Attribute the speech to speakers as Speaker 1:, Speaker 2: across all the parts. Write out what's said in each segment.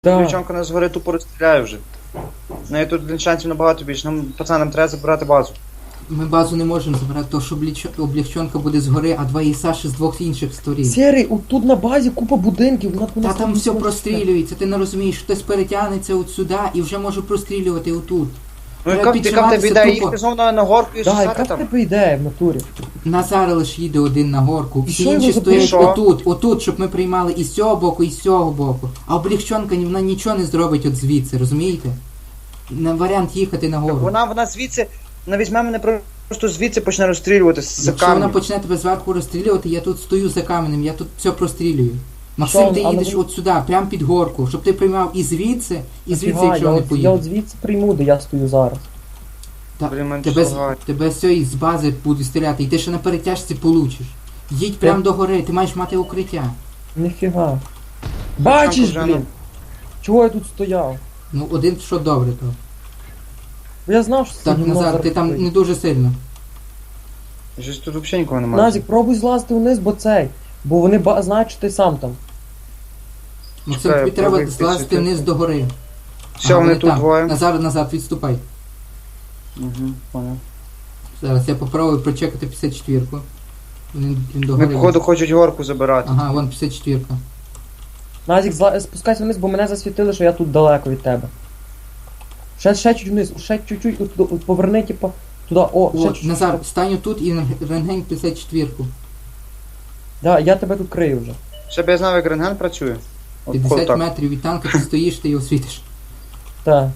Speaker 1: Да.
Speaker 2: Дівчонка нас згори тупо розстріляє вже. Ну і тут шансів набагато більше. Нам, пацанам, треба забирати базу.
Speaker 3: Ми базу не можемо забирати, тому що облегчонка буде згори, а два ІСАші з двох інших сторін.
Speaker 1: Серий, отут на базі купа будинків,
Speaker 3: Та там все прострілюється, ти не розумієш, хтось перетягнеться от сюди і вже може прострілювати отут.
Speaker 2: Ну
Speaker 3: Треба
Speaker 2: яка в тебе
Speaker 3: піджиматися
Speaker 2: ідея?
Speaker 3: тупо.
Speaker 2: Їхати знову на горку і
Speaker 1: Да,
Speaker 2: сосати
Speaker 1: яка в
Speaker 2: там?
Speaker 1: тебе ідея в натурі?
Speaker 3: Назар лише їде один на горку,
Speaker 1: І
Speaker 3: всі
Speaker 1: що його
Speaker 3: інші стоять
Speaker 2: запишо?
Speaker 3: отут, щоб ми приймали і з цього боку, і з цього боку. А облегчонка вона нічого не зробить от звідси, розумієте? На варіант їхати на гору.
Speaker 2: Вона звідси, вона візьме мене просто звідси почне розстрілювати з
Speaker 3: Якщо вона
Speaker 2: камнем.
Speaker 3: почне тебе зверху розстрілювати, я тут стою за каменем, я тут все прострілюю. Максим,
Speaker 1: Що,
Speaker 3: ти
Speaker 1: але
Speaker 3: їдеш
Speaker 1: ви-
Speaker 3: от сюди, прямо під горку, щоб ти приймав і звідси, якщо
Speaker 1: я,
Speaker 3: не
Speaker 1: от, я
Speaker 3: поїде.
Speaker 1: от звідси прийму, де я стою зараз.
Speaker 2: Блін, мене
Speaker 3: Тебе,
Speaker 2: шлагає.
Speaker 3: тебе з з бази буде стріляти, і ти ще на перетяжці получиш. Їдь прямо до гори, ти маєш мати укриття.
Speaker 1: Ніфіга. Бачиш,
Speaker 2: вже,
Speaker 1: блін? Чого я тут стояв?
Speaker 3: Ну, один що добре то.
Speaker 1: Бо я знав, що це
Speaker 3: Так,
Speaker 1: гімно
Speaker 3: Назар,
Speaker 1: зараз
Speaker 3: ти там
Speaker 1: стоїть.
Speaker 3: не дуже сильно.
Speaker 2: Щось тут взагалі нікого немає.
Speaker 1: Назік, пробуй злазити вниз, бо цей. Бо вони знають, що ти сам там.
Speaker 3: Максим,
Speaker 2: Чекай,
Speaker 3: тобі треба
Speaker 2: пробуй
Speaker 3: злазити
Speaker 2: підсвітити.
Speaker 3: вниз до гори.
Speaker 2: Все,
Speaker 3: Ага,
Speaker 2: вони тут
Speaker 3: там.
Speaker 2: двоє.
Speaker 3: Назад, відступай.
Speaker 2: Угу, понял.
Speaker 3: Зараз я попробую прочекати 54-ку. Він до
Speaker 2: Вони,
Speaker 3: гори.
Speaker 2: походу, хочуть горку забирати.
Speaker 3: Ага, вон 54-ка.
Speaker 1: Назік, спускайся вниз, бо мене засвітили, що я тут далеко від тебе. Ще чуть вниз, ще чуть-чуть, от поверни, типу, туди, ще
Speaker 3: О,
Speaker 1: чуть-чуть.
Speaker 3: Назар, стань тут і рентгень 54-ку.
Speaker 1: Да, я тебе тут крию вже.
Speaker 2: Щоб я знав, як рентген працює. От
Speaker 3: 50
Speaker 2: так.
Speaker 3: метрів від танка, ти стоїш, ти його світиш.
Speaker 1: Так.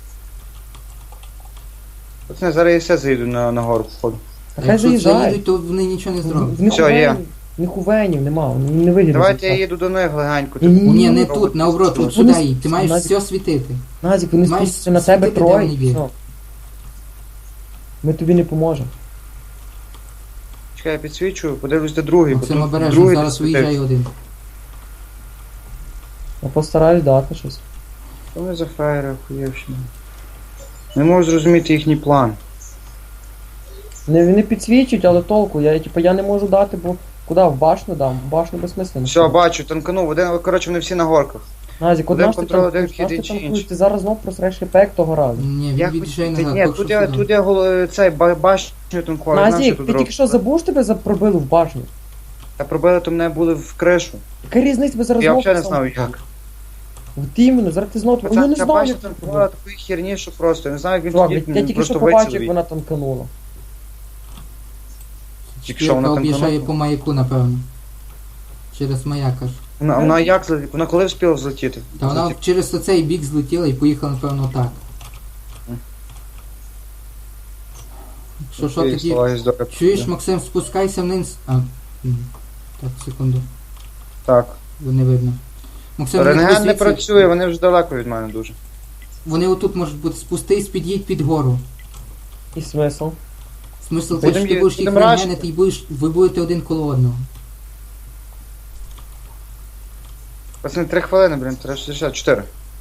Speaker 2: Пацани, зараз я все заїду на гору, походу.
Speaker 1: Та
Speaker 3: А
Speaker 1: хай
Speaker 3: якщо
Speaker 1: заїжджай.
Speaker 3: заїдуть, то вони нічого не зроблять.
Speaker 1: В них
Speaker 2: Все, є.
Speaker 1: Нихувенів нема, не вигідно.
Speaker 2: Давайте я їду до них легенько.
Speaker 1: Ні, ні,
Speaker 3: Ні, не
Speaker 2: Робот.
Speaker 3: тут, наоборот,
Speaker 2: Вони
Speaker 3: тут сюди їдь. Ти маєш
Speaker 1: Назік.
Speaker 3: все світити.
Speaker 1: Назік, вони
Speaker 3: Маєш
Speaker 1: спустяться на тебе
Speaker 3: світити, де
Speaker 1: троє,
Speaker 3: вони
Speaker 1: і
Speaker 3: є.
Speaker 1: все. Ми тобі не поможемо.
Speaker 2: Чекай, я підсвічую, подивлюсь до другий.
Speaker 3: Максим
Speaker 2: бо тут
Speaker 3: обережно,
Speaker 2: другий
Speaker 3: зараз
Speaker 2: підсвітив.
Speaker 3: виїжджає один.
Speaker 1: Я постараюсь дати щось.
Speaker 2: Що вони за фраєри охуєвщина? Не можу зрозуміти їхній план.
Speaker 1: Не підсвічують, але толку. Я не можу дати, бо куди? В башню дам? В башню безсмислено.
Speaker 2: Все, бачу, танканув. Один, коротше, вони всі на горках.
Speaker 1: Назік,
Speaker 2: Один
Speaker 1: одна ж ти
Speaker 2: контроль, один
Speaker 1: танкуєш,
Speaker 2: вхід,
Speaker 1: наш ти
Speaker 2: інший.
Speaker 1: танкуєш, ти зараз знов просреш хп, як того разу.
Speaker 3: Ні,
Speaker 2: Я
Speaker 3: він від'їжджає
Speaker 2: Ні,
Speaker 3: назад. поки
Speaker 2: тут
Speaker 3: що
Speaker 2: я,
Speaker 3: сюди.
Speaker 2: тут я цей башню танкував. я знав, що
Speaker 1: Назік,
Speaker 2: тут
Speaker 1: ти тільки що
Speaker 2: робиться.
Speaker 1: забув, що тебе пробили в башню?
Speaker 2: Та пробили, то мене були в кришу.
Speaker 1: Яка різниця тебе зараз
Speaker 2: Я
Speaker 1: знов
Speaker 2: взагалі не
Speaker 1: сам-
Speaker 2: знав як.
Speaker 1: От іменно, зараз ти знов... Ну не
Speaker 2: Ця
Speaker 1: знаю,
Speaker 2: башня
Speaker 1: як це було.
Speaker 2: танкувала такої херні, що просто. Я не знаю, як він
Speaker 1: Чувак,
Speaker 2: тоді
Speaker 1: я тільки
Speaker 2: просто
Speaker 1: що побачив,
Speaker 2: вицілив.
Speaker 1: як вона танканула.
Speaker 2: Тільки що вона
Speaker 3: Шкірка об'їжджає
Speaker 2: танканула.
Speaker 3: по маяку, напевно. Через маяк аж.
Speaker 2: Вона як злетіла? Вона коли встигла взлетіти?
Speaker 3: Та вона через цей бік злетіла і поїхала, напевно, так. Що
Speaker 2: Окей,
Speaker 3: тоді?
Speaker 2: слава Іздора.
Speaker 3: Чуєш, Максим, спускайся вниз. Так, секунду.
Speaker 2: Так.
Speaker 3: Бо не видно. Максим, вниз
Speaker 2: Рентген не
Speaker 3: звідси.
Speaker 2: працює, вони вже далеко від мене дуже.
Speaker 3: Вони отут можуть бути. Спустись, під'їдь під гору.
Speaker 1: І смисл?
Speaker 3: Смисл те,
Speaker 2: Будем
Speaker 3: що ти
Speaker 2: ї-
Speaker 3: будеш їх
Speaker 2: будем
Speaker 3: рентгенити і ви будете один коло одного.
Speaker 2: Пацани, 3 хвилини, блін, 364.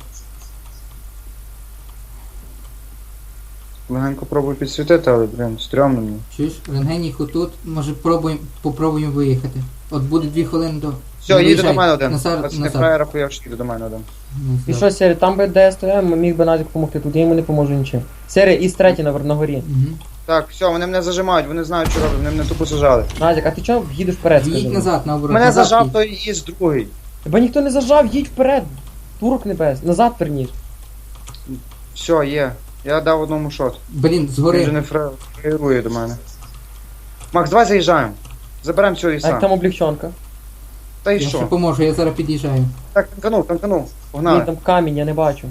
Speaker 2: Легенько пробую підсвітити, але, блін, стрьомно мені.
Speaker 3: Чуєш, рентген їх отут, може попробуємо виїхати. От буде 2 хвилини до...
Speaker 2: Все,
Speaker 3: Не
Speaker 2: їде
Speaker 3: виїжджай.
Speaker 2: до мене один.
Speaker 3: Назар,
Speaker 2: Пацани,
Speaker 3: назад.
Speaker 2: фраєра хуяв, їде до мене один.
Speaker 1: І
Speaker 3: Назад.
Speaker 1: що, Сері, там би де я стояв, міг би Назік допомогти, тут я йому не поможу нічим. Сері, і третій на горі.
Speaker 3: Мгм.
Speaker 2: Так, все, вони мене зажимають, вони знають, що роблять, вони мене тупо зажали.
Speaker 1: Назік, а ти чого їдеш вперед, скажи
Speaker 3: Їдь
Speaker 1: мені?
Speaker 3: назад, наоборот.
Speaker 2: Мене
Speaker 3: назад
Speaker 2: зажав
Speaker 3: їдь.
Speaker 2: той із другий.
Speaker 1: Тебе ніхто не зажав, їдь вперед. Турок небес, назад верніш.
Speaker 2: Все, є. Я дав одному шот.
Speaker 3: Блін,
Speaker 2: Він вже
Speaker 3: згори.
Speaker 2: не фраєрує до мене. Макс, давай заїжджаємо. Заберемо цього
Speaker 1: А як
Speaker 2: іса.
Speaker 1: там облегчонка?
Speaker 2: Та й
Speaker 3: Я ще
Speaker 2: що?
Speaker 3: поможу, я зараз під'їжджаю.
Speaker 2: Так, танканув.
Speaker 1: Ні,
Speaker 2: Погнали.
Speaker 1: там камінь, я не бачу.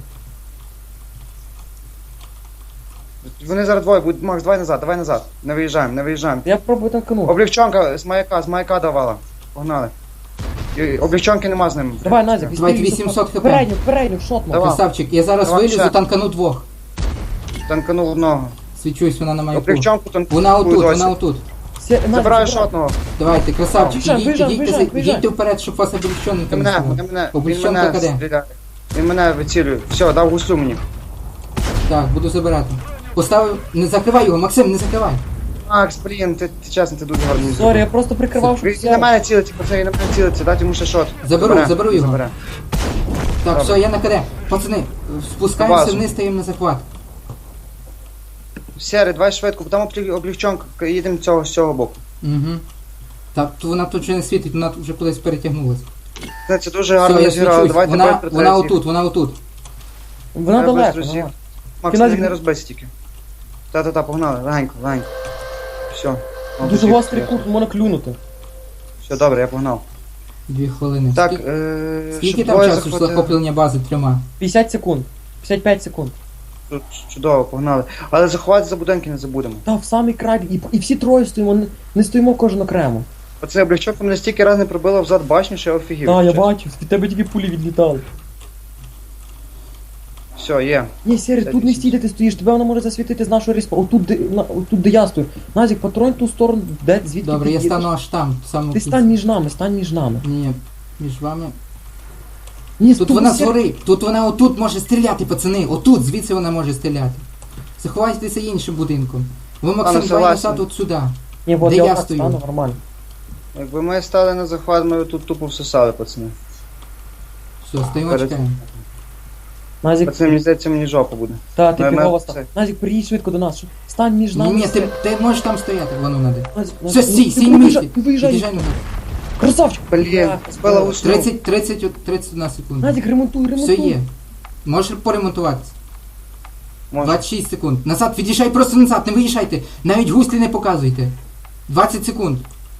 Speaker 2: Вони зараз двоє будуть. Макс, давай назад. Не виїжджаємо.
Speaker 1: Я пробую танканути.
Speaker 2: Облегчонка з маяка давала. Погнали. Облегчонки нема з ним.
Speaker 1: Давай, Назік,
Speaker 3: Давайте 800 хп.
Speaker 1: Передню, шотну.
Speaker 2: Давай.
Speaker 3: Красавчик, я зараз
Speaker 2: Давай
Speaker 3: вилізу,
Speaker 2: ще.
Speaker 3: танкану двох.
Speaker 2: Танканув одного.
Speaker 3: Свічусь, вона на маяку.
Speaker 2: Облегчонку танканув.
Speaker 3: Вона отут,
Speaker 2: досі.
Speaker 3: вона отут.
Speaker 2: Забираю шотного.
Speaker 3: Давайте, красавчик,
Speaker 1: Виїжджай,
Speaker 3: їдьте вперед, щоб вас облегченника не стало.
Speaker 2: Він
Speaker 3: Облегчонка
Speaker 2: мене
Speaker 3: каде?
Speaker 2: стріляє. Він мене вицілює. Все, дав гусу мені.
Speaker 3: Так, буду забирати. Поставив, не закривай його, Максим, не закривай.
Speaker 2: Макс, блін, ти чесно, ти дуже гарний.
Speaker 1: Сорі, я просто прикривав, щоб
Speaker 2: Він на мене цілиться, пацани, він на мене цілиться, дати йому ще шот.
Speaker 3: Заберу його.
Speaker 2: Забере.
Speaker 3: Так,
Speaker 2: Добре.
Speaker 3: все, я на КД. Пацани, спускаємося
Speaker 2: Базу.
Speaker 3: вниз, стаємо на захват.
Speaker 2: Сірий, давай швидко, там облігчонка, їдемо з цього боку.
Speaker 3: Угу. Так, то вона тут вже не світить, вона тут вже кудись перетягнулась.
Speaker 2: Це дуже гарно
Speaker 3: Все, я
Speaker 2: зіграли,
Speaker 3: свічусь.
Speaker 2: давайте
Speaker 3: Вона
Speaker 2: быстро
Speaker 3: вона
Speaker 2: третій.
Speaker 3: отут, вона отут.
Speaker 1: Вона
Speaker 2: Треба
Speaker 1: далеко,
Speaker 2: быстро
Speaker 1: вона.
Speaker 2: Макс,
Speaker 1: Кінець-
Speaker 2: не розбейся тільки. Та-та-та, погнали, легенько, легенько. Все.
Speaker 1: Дуже гострий кут, можна клюнути.
Speaker 2: Все, добре, я погнав.
Speaker 3: 2 хвилини.
Speaker 2: Так,
Speaker 3: Скільки
Speaker 2: щоб
Speaker 3: там
Speaker 2: двоє
Speaker 3: часу йшло
Speaker 2: захватили.
Speaker 3: захоплення бази 3?
Speaker 1: 50 секунд. 55 секунд.
Speaker 2: Тут чудово, погнали. Але заховати за будинки не забудемо.
Speaker 1: Та в самий край, і всі троє стоїмо, не стоїмо кожен окремо.
Speaker 2: Оце облігчонка мене стільки раз не пробила взад башню, що я офігів.
Speaker 1: Так, я
Speaker 2: чесно.
Speaker 1: бачив, від тебе тільки пулі відлітали.
Speaker 2: Все, є.
Speaker 1: Ні, Сері, тут не стій, де ти стоїш, тебе вона може засвітити з нашого респа. Отут, де я стою. Назік, патронь ту сторону, де, звідки
Speaker 3: Добре,
Speaker 1: ти
Speaker 3: я
Speaker 1: їдеш.
Speaker 3: стану аж там, в самому
Speaker 1: Ти
Speaker 3: кінці.
Speaker 1: стань між нами, стань між нами.
Speaker 3: Ні, між вами.
Speaker 1: Ні,
Speaker 3: Тут
Speaker 1: стой,
Speaker 3: вона
Speaker 1: Сері.
Speaker 3: згорить, тут вона отут може стріляти, пацани. Отут, звідси вона може стріляти. Заховайтеся іншим будинком. Ви, Максим, давай
Speaker 2: согласен.
Speaker 3: назад от сюди.
Speaker 1: Ні, от
Speaker 3: Де
Speaker 1: я
Speaker 3: я
Speaker 1: отак
Speaker 3: стою?
Speaker 1: стану, нормально.
Speaker 2: Якби ми стали на захват, ми тут тупо всосали, пацани.
Speaker 3: Все, стоїмо,
Speaker 2: Перед-
Speaker 3: чекаємо.
Speaker 1: Назік,
Speaker 2: Пацани, мені здається, мені жопа буде.
Speaker 1: та, ти
Speaker 2: Ми-
Speaker 1: пігова
Speaker 2: ми-
Speaker 1: стань.
Speaker 2: це-
Speaker 1: Назік, приїдь швидко до нас. Стань між
Speaker 3: Ні,
Speaker 1: нами.
Speaker 3: ні,
Speaker 1: Сері.
Speaker 3: ти можеш там стояти, воно надо.
Speaker 1: Назік,
Speaker 3: Все,
Speaker 1: Назік,
Speaker 3: стій,
Speaker 1: ти
Speaker 3: стій на
Speaker 1: виїжджай,
Speaker 3: місці.
Speaker 1: ти виїжджай.
Speaker 3: Під'їжджай назад.
Speaker 1: Красавчик.
Speaker 2: Блін,
Speaker 1: Бля,
Speaker 2: збила усну.
Speaker 3: 31 секунд.
Speaker 1: Назік, ремонтуй,
Speaker 3: Все
Speaker 1: ремонтуй.
Speaker 3: є. Можеш поремонтуватися.
Speaker 2: Може.
Speaker 3: 26 секунд. Назад, від'їжджай просто назад, не виїжджайте. Навіть гуслі не показуйте. 20 секунд.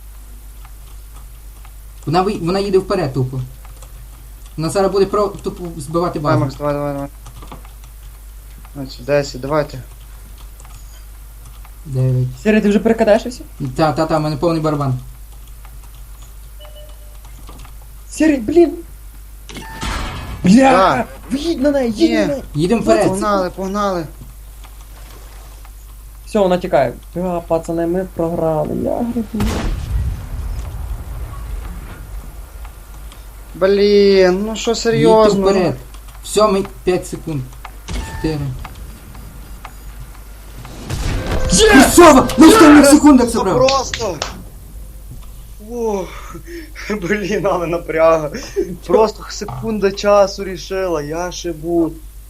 Speaker 3: Вона їде вперед тупо. Вона зараз буде тупо збивати
Speaker 2: Давай,
Speaker 3: базу.
Speaker 2: Макс, давай. Значить, 10, давайте.
Speaker 3: 9.
Speaker 1: Сері, ти вже перекидаєшся?
Speaker 3: Та, в мене повний барабан.
Speaker 1: Сері, блін. Бля,
Speaker 2: Так.
Speaker 1: виїдь на неї, їдь
Speaker 2: Ні.
Speaker 1: на неї.
Speaker 3: Їдемо вперед.
Speaker 2: Погнали.
Speaker 1: Все, вона тікає. Пацани, ми програли. Я грибу.
Speaker 2: Блін, ну що
Speaker 3: Їдьте
Speaker 2: серйозно?
Speaker 3: вперед. Все, ми 5 секунд. 4.
Speaker 1: Є!
Speaker 3: І все, на останніх секундах
Speaker 2: Це
Speaker 3: забрав.
Speaker 2: просто. Ух, блін, але напряга. Просто секунда часу рішила, я шибу.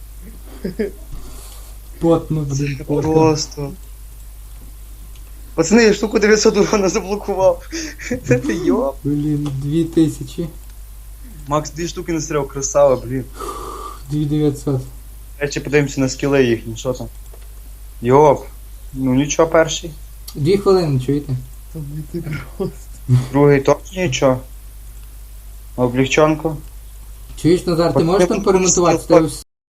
Speaker 3: Потно, блін, потно.
Speaker 2: Просто. Пацани, я штуку 900 урона заблокував. Це ти йоп.
Speaker 3: Блін, 2000.
Speaker 2: Макс 2 штуки настріляв, красава, блін.
Speaker 3: 2900.
Speaker 2: Речі, подивимося на скіли їхні, що там. Йоп. Ну нічого перший.
Speaker 3: 2 хвилини, чуєте?
Speaker 2: Другий точно нічого. Облегчонку.
Speaker 3: Чуєш, Назар, ти можеш там поремонтувати?